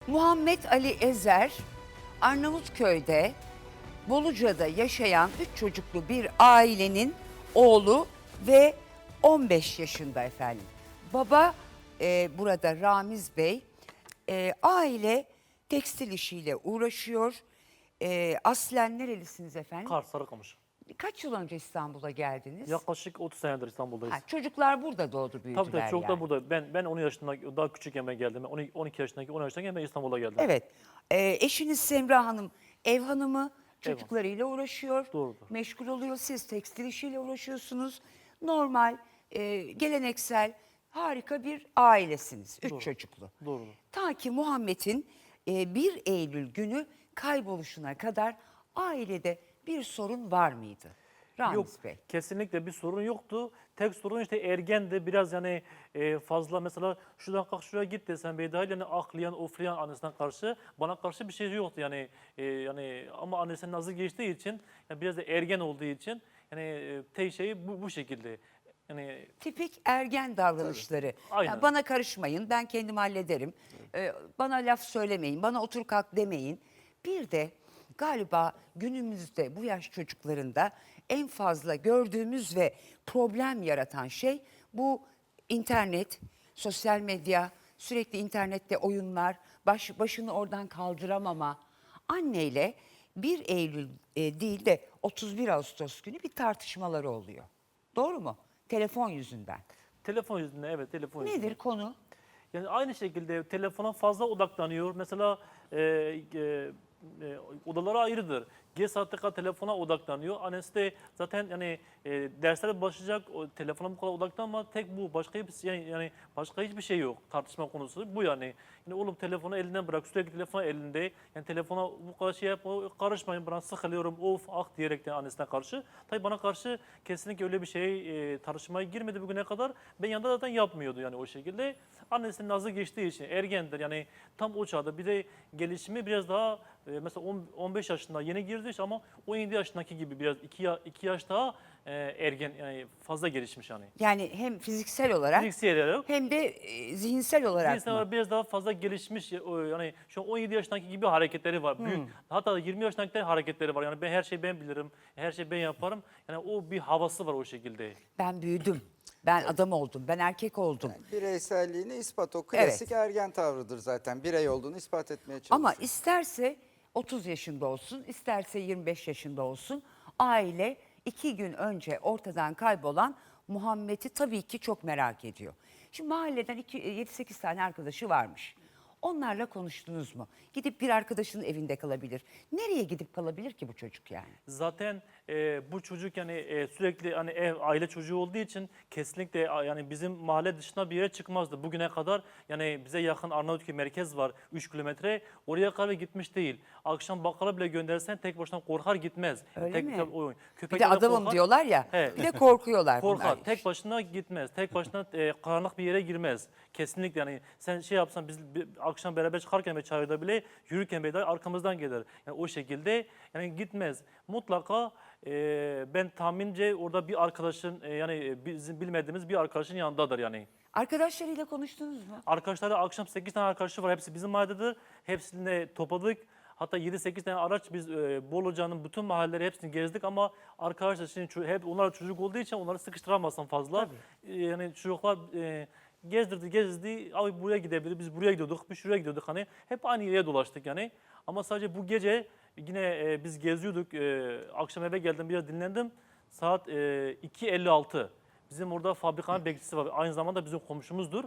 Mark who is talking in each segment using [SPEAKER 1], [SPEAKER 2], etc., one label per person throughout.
[SPEAKER 1] Muhammed Ali Ezer, Arnavutköy'de, Boluca'da yaşayan 3 çocuklu bir ailenin oğlu ve 15 yaşında efendim. Baba burada Ramiz Bey, aile tekstil işiyle uğraşıyor. Aslen nerelisiniz efendim?
[SPEAKER 2] Kars, Sarıkamış.
[SPEAKER 1] Kaç yıl önce İstanbul'a geldiniz?
[SPEAKER 2] Yaklaşık 30 senedir İstanbul'dayız.
[SPEAKER 1] Ha, çocuklar burada doğdu, büyüdüler
[SPEAKER 2] Tabii çocuklar
[SPEAKER 1] yani.
[SPEAKER 2] burada. Ben 10 yaşında daha küçükken ben geldim. 12 yaşındaki 10 yaşındayken ben İstanbul'a geldim.
[SPEAKER 1] Evet. Eşiniz Semra Hanım ev hanımı, çocuklarıyla uğraşıyor.
[SPEAKER 2] Doğrudur.
[SPEAKER 1] Meşgul oluyor. Siz tekstil işiyle uğraşıyorsunuz. Normal, geleneksel, harika bir ailesiniz. 3 çocuklu.
[SPEAKER 2] Doğrudur.
[SPEAKER 1] Ta ki Muhammed'in 1 Eylül günü kayboluşuna kadar ailede bir sorun var mıydı? Ramiz
[SPEAKER 2] Yok,
[SPEAKER 1] Bey.
[SPEAKER 2] kesinlikle bir sorun yoktu. Tek sorun işte ergendi. Biraz yani fazla mesela şuradan kalk şuraya git desen Beyda'yla yani aklayan, oflayan annesine karşı bana karşı bir şey yoktu yani. Yani ama annesinin nazı geçtiği için yani biraz da ergen olduğu için yani tek şeyi bu şekilde. Yani
[SPEAKER 1] Tipik ergen davranışları.
[SPEAKER 2] Aynen.
[SPEAKER 1] Ya bana karışmayın, ben kendim hallederim. Bana laf söylemeyin, bana otur kalk demeyin. Bir de galiba günümüzde bu yaş çocuklarında en fazla gördüğümüz ve problem yaratan şey bu internet, sosyal medya, sürekli internette oyunlar, başını oradan kaldıramama. Anneyle 1 Eylül değil de 31 Ağustos günü bir tartışmaları oluyor. Doğru mu? Telefon yüzünden.
[SPEAKER 2] telefon yüzünden, evet, telefon yüzünden.
[SPEAKER 1] Nedir konu?
[SPEAKER 2] Yani aynı şekilde telefona fazla odaklanıyor. Mesela odaları ayrıdır. Geç saatte kadar telefona odaklanıyor. Annesi de zaten yani derslere başlayacak, o telefona bu kadar odaklanma. Tek bu, başka hiçbir yani başka hiçbir şey yok. Tartışma konusu bu yani. Yani oğlum telefonu elinden bırak, sürekli telefon elinde. Yani telefona bu kadar şey yapma, karışmayın, bana sıkılıyorum, of ah diyerek de annesine karşı. Tabii bana karşı kesinlikle öyle bir şey tartışmaya girmedi bugüne kadar. Ben yanında zaten yapmıyordu yani o şekilde. Annesinin nazı geçtiği için ergendir yani tam o çağda. Bir de gelişimi biraz daha mesela 15 yaşında yeni girdi ama 17 yaşındaki gibi biraz 2 yaş daha ergen yani fazla gelişmiş yani.
[SPEAKER 1] Yani hem fiziksel olarak
[SPEAKER 2] Fiziksel olarak
[SPEAKER 1] hem de zihinsel olarak
[SPEAKER 2] cinsel
[SPEAKER 1] mı?
[SPEAKER 2] olarak biraz daha fazla gelişmiş yani şu an 17 yaşındaki gibi hareketleri var. Büyük. Hatta 20 yaşındaki hareketleri var. Yani her şeyi ben bilirim. Her şeyi ben yaparım. Yani o bir havası var o şekilde.
[SPEAKER 1] Ben büyüdüm. Ben adam oldum. Ben erkek oldum.
[SPEAKER 3] Bireyselliğini ispat, o klasik ergen tavrıdır zaten. Birey olduğunu ispat etmeye çalışıyor.
[SPEAKER 1] Ama isterse 30 yaşında olsun, isterse 25 yaşında olsun, aile 2 gün önce ortadan kaybolan Muhammed'i tabii ki çok merak ediyor. Şimdi mahalleden 7-8 tane arkadaşı varmış. Onlarla konuştunuz mu? Gidip bir arkadaşının evinde kalabilir. Nereye gidip kalabilir ki bu çocuk yani?
[SPEAKER 2] Zaten bu çocuk yani sürekli hani aile çocuğu olduğu için kesinlikle yani bizim mahalle dışına bir yere çıkmazdı. Bugüne kadar yani bize yakın Arnavutköy merkez var 3 kilometre. Oraya kadar gitmiş değil. Akşam bakkala bile göndersen tek başına korkar gitmez.
[SPEAKER 1] Öyle mi? Bir
[SPEAKER 2] Köpekler
[SPEAKER 1] de adamım
[SPEAKER 2] korkar.
[SPEAKER 1] diyorlar ya,
[SPEAKER 2] He.
[SPEAKER 1] bir de korkuyorlar
[SPEAKER 2] Korkar.
[SPEAKER 1] bunlar.
[SPEAKER 2] Tek başına gitmez. Tek başına karanlık bir yere girmez. Kesinlikle yani sen şey yapsan biz akşam beraber çıkarken ve çayda bile yürürken bile arkamızdan gelir. Yani o şekilde yani gitmez. Mutlaka ben tahminimce orada bir arkadaşın yani bizim bilmediğimiz bir arkadaşın yanındadır yani.
[SPEAKER 1] Arkadaşlarıyla konuştunuz mu?
[SPEAKER 2] Arkadaşları akşam 8 tane arkadaşı var. Hepsi bizim mahallededir. Hepsini topladık. Hatta 7-8 tane araç biz Boluca'nın bütün mahalleleri hepsini gezdik ama arkadaşlar şimdi hep onlar çocuk olduğu için onları sıkıştıramazsın fazla. Yani çocuklar gezdirdi. Abi buraya gidebilir. Biz buraya gidiyorduk. Biz şuraya gidiyorduk hani. Hep aynı yere dolaştık yani. Ama sadece bu gece yine biz geziyorduk. Akşam eve geldim biraz dinlendim. Saat 2.56. Bizim orada fabrikanın bekçisi var. Aynı zamanda bizim komşumuzdur.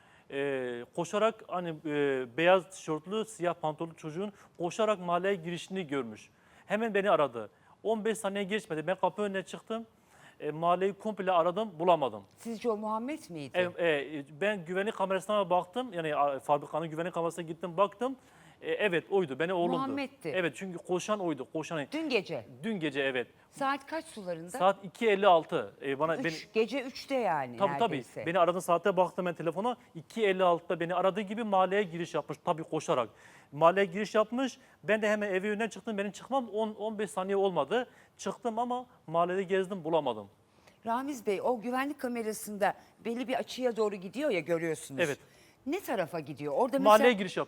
[SPEAKER 2] Koşarak hani beyaz tişörtlü, siyah pantolonlu çocuğun koşarak mahalleye girişini görmüş. Hemen beni aradı. 15 saniye geçmedi. Ben kapı önüne çıktım. Mahalleyi komple aradım, bulamadım.
[SPEAKER 1] Sizce o Muhammed miydi?
[SPEAKER 2] Ben güvenlik kamerasına baktım. Yani fabrikanın güvenlik kamerasına gittim, baktım. Evet oydu, beni oğlumdu.
[SPEAKER 1] Muhammed'ti.
[SPEAKER 2] Evet çünkü koşan oydu. Koşan.
[SPEAKER 1] Dün gece.
[SPEAKER 2] Dün gece evet.
[SPEAKER 1] Saat kaç sularında?
[SPEAKER 2] Saat 2.56. Bana
[SPEAKER 1] Gece 3'te yani
[SPEAKER 2] Tabii
[SPEAKER 1] neredeyse.
[SPEAKER 2] beni aradığı saate baktım ben telefona. 2.56'da beni aradığı gibi mahalleye giriş yapmış. Tabii koşarak. Mahalleye giriş yapmış. Ben de hemen evi önünden çıktım. Benim çıkmam 10-15 saniye olmadı. Çıktım ama mahallede gezdim bulamadım.
[SPEAKER 1] Ramiz Bey, o güvenlik kamerasında belli bir açıya doğru gidiyor ya, görüyorsunuz.
[SPEAKER 2] Evet.
[SPEAKER 1] Ne tarafa gidiyor? Orada mesela
[SPEAKER 2] Mahalleye giriş yapıyor.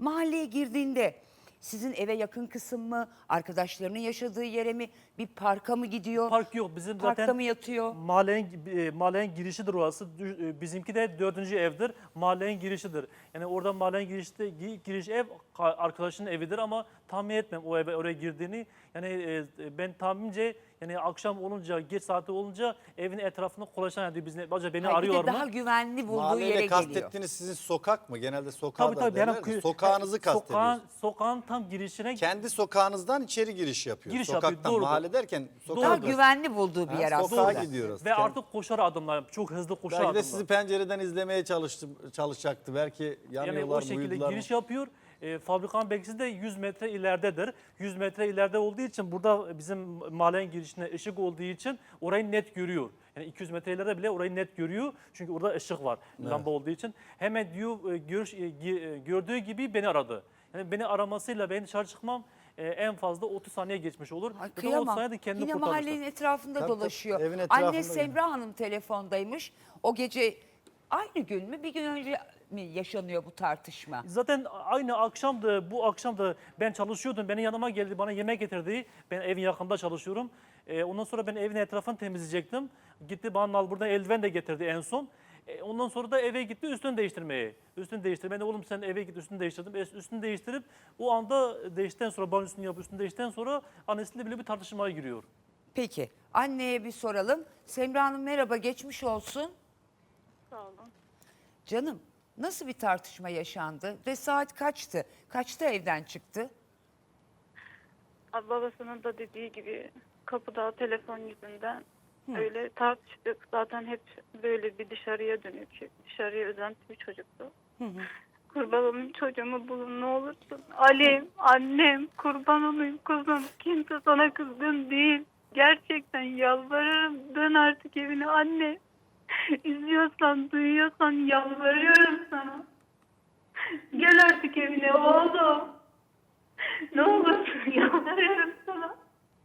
[SPEAKER 1] Mahalleye girdiğinde sizin eve yakın kısım mı, arkadaşlarının yaşadığı yere mi, bir parka mı gidiyor?
[SPEAKER 2] Park yok. Bizim
[SPEAKER 1] Parkta
[SPEAKER 2] zaten
[SPEAKER 1] mı yatıyor?
[SPEAKER 2] mahallenin girişidir orası. Bizimki de 4. evdir. Mahallenin girişidir. Yani orada mahallenin giriş ev arkadaşının evidir ama tahmin etmem o eve oraya girdiğini. Yani ben tahminimce yani akşam olunca, geç saati olunca evin etrafında dolaşan ediyor. Acaba beni
[SPEAKER 1] Hayır, bir
[SPEAKER 2] arıyor
[SPEAKER 1] de
[SPEAKER 2] mu?
[SPEAKER 1] daha güvenli bulduğu
[SPEAKER 4] Mahalleyle
[SPEAKER 1] yere geliyor.
[SPEAKER 4] kastettiğiniz sizin sokak mı? Genelde sokağa
[SPEAKER 2] Tabii
[SPEAKER 4] da
[SPEAKER 2] tabii.
[SPEAKER 4] derler de sokağınızı kastediyorsunuz.
[SPEAKER 2] Sokağın tam girişine
[SPEAKER 4] Kendi sokağınızdan içeri giriş yapıyor.
[SPEAKER 2] Giriş yapıyor,
[SPEAKER 4] Sokaktan
[SPEAKER 2] doğrudur.
[SPEAKER 4] mahalle derken
[SPEAKER 1] Daha
[SPEAKER 4] sokağa
[SPEAKER 1] güvenli bulduğu bir
[SPEAKER 4] Ha,
[SPEAKER 1] yer
[SPEAKER 4] sokağa
[SPEAKER 1] aslında.
[SPEAKER 4] gidiyoruz.
[SPEAKER 2] ve artık koşar adımlar. Çok hızlı koşar
[SPEAKER 4] Belki de
[SPEAKER 2] adımlar.
[SPEAKER 4] sizi pencereden izlemeye çalışacaktı. Belki
[SPEAKER 2] Yani
[SPEAKER 4] yanıyorlar
[SPEAKER 2] o
[SPEAKER 4] mı,
[SPEAKER 2] şekilde
[SPEAKER 4] uyudular mı?
[SPEAKER 2] giriş yapıyor. Fabrikanın belgisi de 100 metre ileridedir. 100 metre ileride olduğu için burada bizim mahallenin girişine ışık olduğu için orayı net görüyor. Yani 200 metre ileride bile orayı net görüyor. Çünkü orada ışık var lamba olduğu için. Hemen diyor gördüğü gibi beni aradı. Yani beni aramasıyla ben dışarı çıkmam en fazla 30 saniye geçmiş olur.
[SPEAKER 1] Ay,
[SPEAKER 2] Zaten o
[SPEAKER 1] kıyamam.
[SPEAKER 2] sayede kendini
[SPEAKER 1] Yine
[SPEAKER 2] kurtarmıştır.
[SPEAKER 1] mahallenin etrafında
[SPEAKER 4] Tabii,
[SPEAKER 1] dolaşıyor.
[SPEAKER 4] tabii, evin
[SPEAKER 1] Anne
[SPEAKER 4] etrafında
[SPEAKER 1] Semra Hanım telefondaymış. O gece aynı gün mü, bir gün önce mi yaşanıyor bu tartışma?
[SPEAKER 2] Zaten aynı akşamdı, bu akşamda ben çalışıyordum. Beni yanıma geldi, bana yemek getirdi. Ben evin yakında çalışıyorum. Ondan sonra ben evin etrafını temizleyecektim. Gitti bana al buradan eldiven de getirdi en son. Ondan sonra da eve gitti üstünü değiştirmeye. Üstünü değiştirmeye. Ben de oğlum sen eve git üstünü değiştirdim. Üstünü değiştirip o anda değiştikten sonra banyo üstünü yapıp üstünü değiştikten sonra annesiyle bile bir tartışmaya giriyor.
[SPEAKER 1] Peki anneye bir soralım. Semra Hanım merhaba, geçmiş olsun.
[SPEAKER 5] Sağ olun.
[SPEAKER 1] Canım, nasıl bir tartışma yaşandı ve saat kaçtı? Kaçta evden çıktı?
[SPEAKER 5] Babasının da dediği gibi kapıda telefon yüzünden öyle tartıştık. Zaten hep böyle bir dışarıya dönük, dışarıya özenti bir çocuktu. Kurban olayım çocuğumu bulun ne olursun. Ali, annem, kurban olayım kuzum. Kimse sana kızgın değil. Gerçekten yalvarırım. Dön artık evine anne. İzliyorsan, duyuyorsan yalvarıyorum sana. Gel artık evine oğlum. Ne olursun yalvarıyorum sana.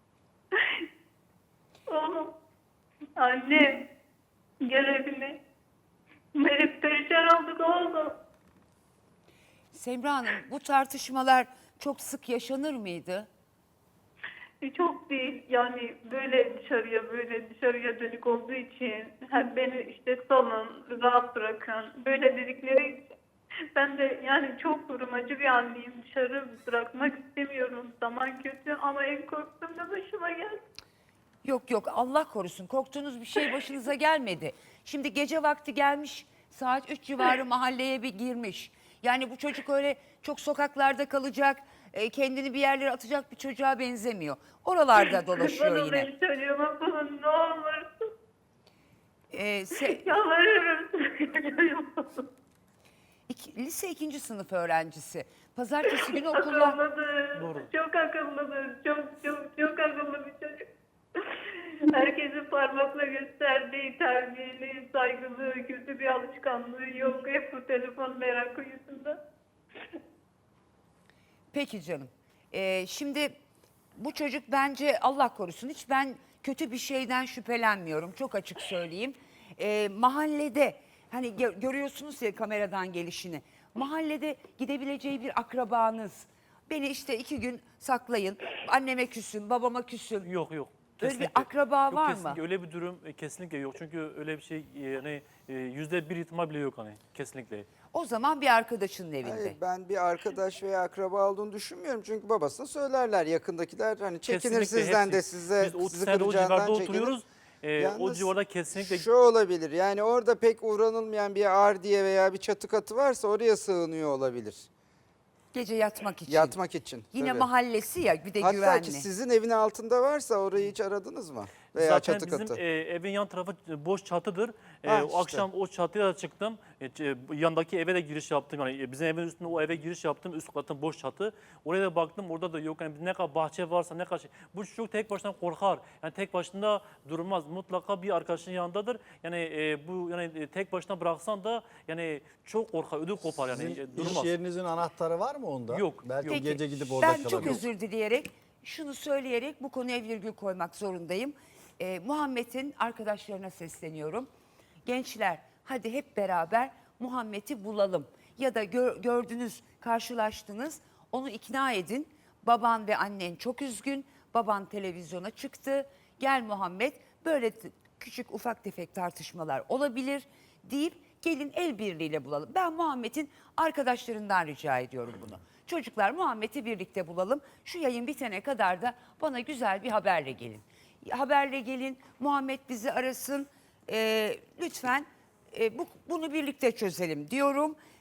[SPEAKER 5] Oğlum, anne, gel evine. Hep perişan olduk oğlum.
[SPEAKER 1] Semra Hanım, bu tartışmalar çok sık yaşanır mıydı?
[SPEAKER 5] Çok değil yani böyle dışarıya dönük olduğu için hem beni işte salın, rahat bırakın böyle dedikleri için ben de yani çok durumacı bir anneyim, dışarı bırakmak istemiyorum, zaman kötü ama en korktuğum da başıma geldi.
[SPEAKER 1] Yok yok, Allah korusun, korktuğunuz bir şey başınıza gelmedi. Şimdi gece vakti gelmiş, saat 3 civarı mahalleye bir girmiş. Yani bu çocuk öyle çok sokaklarda kalacak, kendini bir yerlere atacak bir çocuğa benzemiyor. Oralarda dolaşıyor
[SPEAKER 5] Bana
[SPEAKER 1] yine.
[SPEAKER 5] beni çocuğuma bulun ne olursun. Yalvarırım.
[SPEAKER 1] Lise 2. sınıf öğrencisi. Pazartesi günü okullar...
[SPEAKER 5] Akıllıdır.
[SPEAKER 2] Doğru.
[SPEAKER 5] Çok akıllıdır. Çok akıllı bir çocuk. Herkesin parmakla gösterdiği terbiyeli, saygılı, kötü bir alışkanlığı yok. Hep bu telefon merakı yüzünden.
[SPEAKER 1] Peki canım. Şimdi bu çocuk bence Allah korusun, hiç ben kötü bir şeyden şüphelenmiyorum. Çok açık söyleyeyim. Mahallede hani görüyorsunuz ya kameradan gelişini. Mahallede gidebileceği bir akrabanız. Beni işte 2 gün saklayın. Anneme küsün, babama küsün.
[SPEAKER 2] Yok.
[SPEAKER 1] Öyle bir
[SPEAKER 2] Kesinlikle.
[SPEAKER 1] akraba
[SPEAKER 2] Yok,
[SPEAKER 1] var mı?
[SPEAKER 2] kesinlikle. Öyle bir durum kesinlikle yok. Çünkü öyle bir şey yani %1 ihtimal bile yok hani kesinlikle.
[SPEAKER 1] O zaman bir arkadaşının evinde.
[SPEAKER 3] Hayır, ben bir arkadaş veya akraba olduğunu düşünmüyorum. Çünkü babasına söylerler yakındakiler. Hani çekinir
[SPEAKER 2] Kesinlikle
[SPEAKER 3] sizden de
[SPEAKER 2] hepsi.
[SPEAKER 3] size
[SPEAKER 2] Biz 30
[SPEAKER 3] sizi
[SPEAKER 2] senede o
[SPEAKER 3] kıracağından
[SPEAKER 2] civarda
[SPEAKER 3] çekinir.
[SPEAKER 2] oturuyoruz. O
[SPEAKER 3] Yalnız
[SPEAKER 2] civarda kesinlikle
[SPEAKER 3] Şu olabilir yani orada pek uğranılmayan bir ardiye veya bir çatı katı varsa oraya sığınıyor olabilir.
[SPEAKER 1] Gece yatmak için.
[SPEAKER 3] Yatmak için.
[SPEAKER 1] Yine
[SPEAKER 3] tabii.
[SPEAKER 1] mahallesi ya, bir de
[SPEAKER 3] Hatta
[SPEAKER 1] güvenli.
[SPEAKER 3] ki sizin evin altında varsa orayı hiç aradınız mı? Veya
[SPEAKER 2] zaten
[SPEAKER 3] çatı
[SPEAKER 2] bizim
[SPEAKER 3] katı.
[SPEAKER 2] evin yan tarafı boş çatıdır.
[SPEAKER 3] Ha,
[SPEAKER 2] O
[SPEAKER 3] işte.
[SPEAKER 2] akşam o çatıya da çıktım. Yandaki eve de giriş yaptım. Yani bizim evin üstünde o eve giriş yaptım. Üst katın boş çatı. Oraya da baktım orada da yok. Yani ne kadar bahçe varsa ne kadar şey. Bu çocuk tek başına korkar. Yani tek başına durmaz. Mutlaka bir arkadaşının yanındadır. Yani bu yani tek başına bıraksan da yani çok korkar. Ödü kopar yani.
[SPEAKER 4] Sizin
[SPEAKER 2] Durmaz.
[SPEAKER 4] iş yerinizin anahtarı var mı onda?
[SPEAKER 2] Yok,
[SPEAKER 4] Belki
[SPEAKER 2] yok.
[SPEAKER 4] gece gidip orada
[SPEAKER 1] Ben
[SPEAKER 4] kalabilir.
[SPEAKER 1] çok özür dileyerek, şunu söyleyerek bu konuya virgül koymak zorundayım. Muhammed'in arkadaşlarına sesleniyorum. Gençler, hadi hep beraber Muhammed'i bulalım. ya da gördünüz, karşılaştınız, onu ikna edin. Baban ve annen çok üzgün, baban televizyona çıktı, gel Muhammed, böyle küçük ufak tefek tartışmalar olabilir deyip gelin el birliğiyle bulalım. Ben Muhammed'in arkadaşlarından rica ediyorum bunu. Çocuklar, Muhammed'i birlikte bulalım. Şu yayın bitene kadar da bana güzel bir haberle gelin. Haberle gelin, Muhammed bizi arasın. Lütfen bunu birlikte çözelim diyorum.